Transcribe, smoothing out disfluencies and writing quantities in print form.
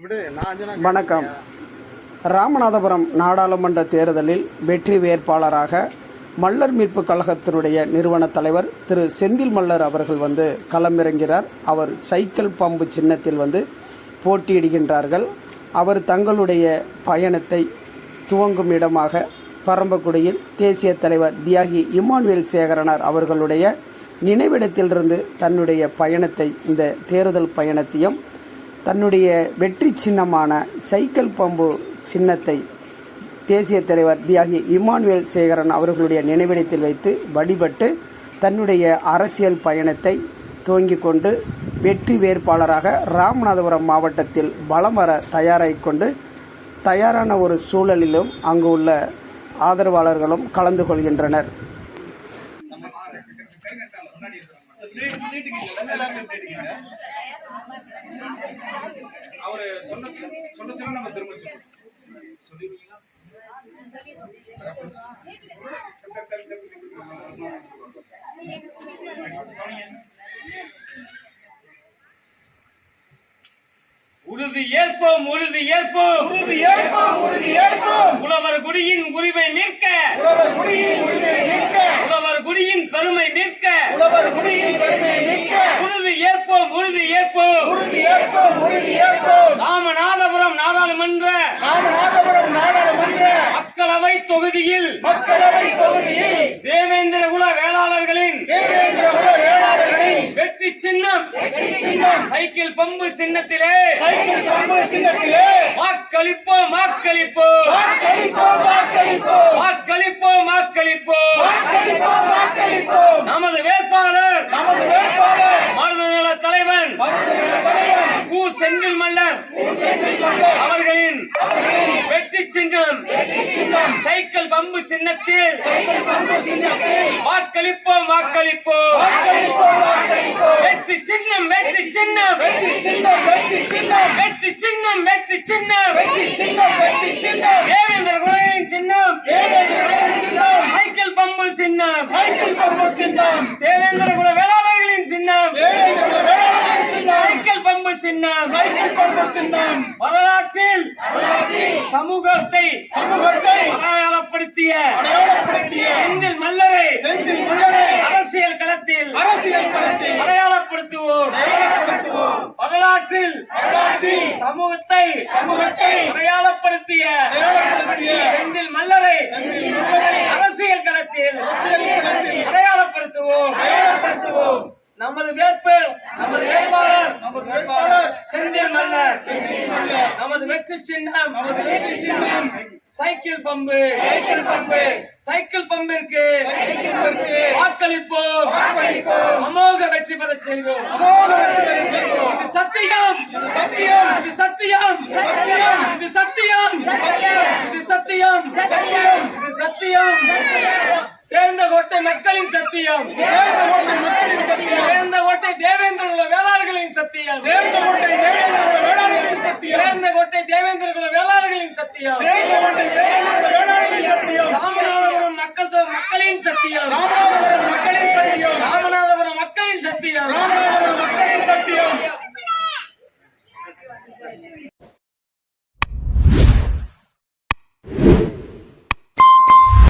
வணக்கம். ராமநாதபுரம் நாடாளுமன்ற தேர்தலில் வெற்றி வேட்பாளராக மல்லர் மீட்பு கழகத்தினுடைய நிறுவன தலைவர் திரு செந்தில் மல்லர் அவர்கள் களமிறங்கிறார். அவர் சைக்கிள் பம்பு சின்னத்தில் போட்டியிடுகின்றார்கள். அவர் தங்களுடைய பயணத்தை துவங்கும் இடமாக பரம்பக்குடியில் தேசிய தலைவர் தியாகி இமானுவேல் சேகரனார் அவர்களுடைய நினைவிடத்திலிருந்து தன்னுடைய பயணத்தை, இந்த தேர்தல் பயணத்தையும் தன்னுடைய வெற்றி சின்னமான சைக்கிள் பம்பு சின்னத்தை தேசிய தலைவர் தியாகி இமானுவேல் சேகரன் அவர்களுடைய நினைவிடத்தில் வைத்து வழிபட்டு தன்னுடைய அரசியல் பயணத்தை துவங்கிக் கொண்டு வெற்றி வேட்பாளராக ராமநாதபுரம் மாவட்டத்தில் வலம் வர தயாரான ஒரு சூழலிலும் அங்கு உள்ள ஆதரவாளர்களும் கலந்து கொள்கின்றனர். அவரு சொன்ன நம்ம திரும்ப சொல்லிருக்கீங்களா? உறுதி ஏற்போம், உறுதி ஏற்போம், உறுதி ஏற்போம், உறுதி ஏற்போம். உழவர் குடியின் உரிமை மீட்க, உழவர் குடியின் உரிமை மீட்க, உழவர் குடியின் பெருமை மீட்க, உழவர் குடியின் பெருமை மீட்க. உறுதி ஏற்போம், உறுதி ஏற்போம், உறுதி ஏற்போம், உறுதி ஏற்போம். ராமநாதபுரம் நாடாளுமன்ற மக்களவை தொகுதியில் தேவேந்திர குல வேளாளர்களின் வெற்றி சின்னம் சைக்கிள் பம்பு சின்னத்திலே வாக்களிப்போம், வாக்களிப்போம், வாக்களிப்போம், வாக்களிப்போம். நமது வேட்பாளர் மருதநல தலைவன் கு செந்தில் மல்லர் அவர்களின் வெற்றி சின்னம் சைக்கிள் பம்பு சின்னத்தில் வாக்களிப்போம், வாக்களிப்போம். வெற்றி சின்னம், வெற்றி சின்னம், வெற்றி சின்னம், வெற்றி சின்னம். தேவேந்திர குலவின் சின்னம் சைக்கிள் பம்பு சின்னம், தேவேந்திர குல வேளாளர்களின் சின்னம் சைக்கிள் பம்பு சின்னம். வரலாற்றில் சமூகத்தை அடையாளப்படுத்திய செந்தில் மல்லரை அரசியல் களத்தில் அடையாளப்படுத்துவோம். வரலாற்றில் சமூகத்தை அடையாளப்படுத்திய செந்தில் மல்லரை அரசியல் களத்தில் அடையாளப்படுத்துவோம். நமது வேட்பாளர் செந்தில் மல்லர். நமது வெற்றி சின்னம் சைக்கிள் பம்பு. சைக்கிள் பம்பிற்கு வாக்களிப்போம். அமோக வெற்றி பெற செய்வோம். இது சத்தியம், இது சத்தியம், இது சத்தியம், இது சத்தியம், இது சத்தியம். சேர்ந்த கோட்டை மக்களின் சத்தியம், சேர்ந்த கோட்டை தேவேந்திர குல வேளாளர்களின் சத்தியம், சேர்ந்த கோட்டை தேவேந்திர குல வேளாளர்களின் சத்தியம், ராமநாதபுரம் மக்களின் சத்தியம், ராமநாதபுரம் மக்களின் சத்தியம்.